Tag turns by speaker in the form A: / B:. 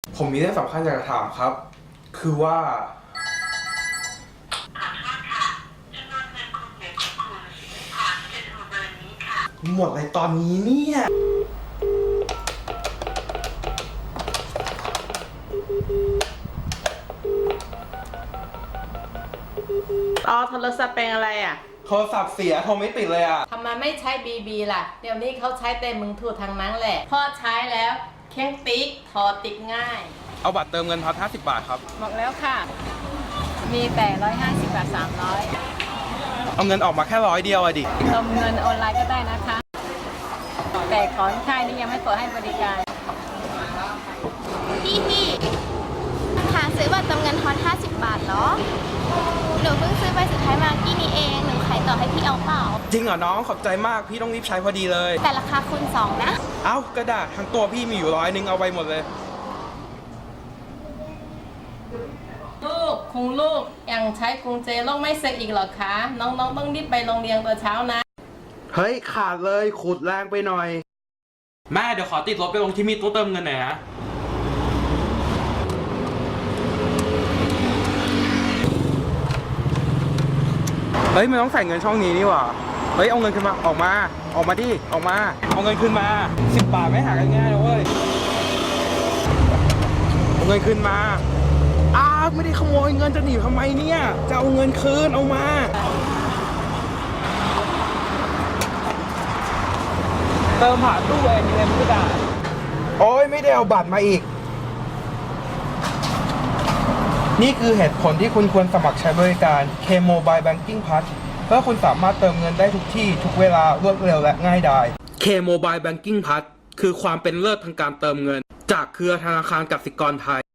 A: ผมมีเรื่องสำคัญอยากจะถามครับ คือว่าหมดอะไรตอนนี้เนี่ย
B: โทรศัพท์เป็นอะไรอ่ะ
A: โทรศัพท์เสียโทรไม่ติดเลยอ่ะ
B: ทำไมไม่ใช้บีล่ะ เดี๋ยวนี้เขาใช้แต่มือถือทางนั้นแหละพ่อใช้แล้วเค้งติ๊กถอดติดง่าย
A: เอาบัตรเติมเงินพัน50 บาทครับ
B: บอกแล้วค่ะ มีแต่150 บาท
A: เอาเงินออกมาแค่100 เดียวอะดิ
B: 300เติมเงินออนไลน์ก็ได้นะคะ แต่ของค่ายนี้ยังไม่เปิดให้บริการ
C: พี่หาซื้อบัตรเติมเงินฮอต50 บาทเหรอ หนูเพิ่งซื้อใบสุดท้ายมากี้นี้เอง หนูขายต่อให้พี่เอาเปล่า
A: จริงเหรอน้องขอบใจมากพี่ต้องรีบใช้พอดีเลย
C: แต่ราคาคูณ2นะ
A: เอ้ากระดาษทั้งตัวพี่มีอยู่100เอาไปหมดเลย
B: ลูกยังใช้กุญแจล็อกไม่เสร็จอีกเหรอคะ น้องๆต้องรีบไปโรงเรียนตอนเช้านะ
A: เฮ้ยขาดเลยขุดแรงไปหน่อยแม่เดี๋ยวขอติดรถไปลงที่มีตู้เติมเงินหน่อยนะเฮ้ยมันต้องใส่เงินช่องนี้นี่หว่าเฮ้ยเอาเงินขึ้นมาออกมาดิออกมาเอาเงินขึ้นมา10 บาทไม่หากันง่ายนะเว้ยเอาเงินขึ้นมาไม่ได้ขโมยเงินจะหนีทำไมเนี่ยจะเอาเงินคืนเอามาเติมผ่านตู้ ATM ก็ได้โอ้ยไม่ได้เอาบัตรมาอีกนี่คือเหตุผลที่คุณควรสมัครใช้บริการ K Mobile Banking Plus เพื่อคุณสามารถเติมเงินได้ทุกที่ทุกเวลารวดเร็วและง่ายดาย K Mobile Banking Plus คือความเป็นเลิศทางการเติมเงินจากเครือธนาคารกสิกรไทย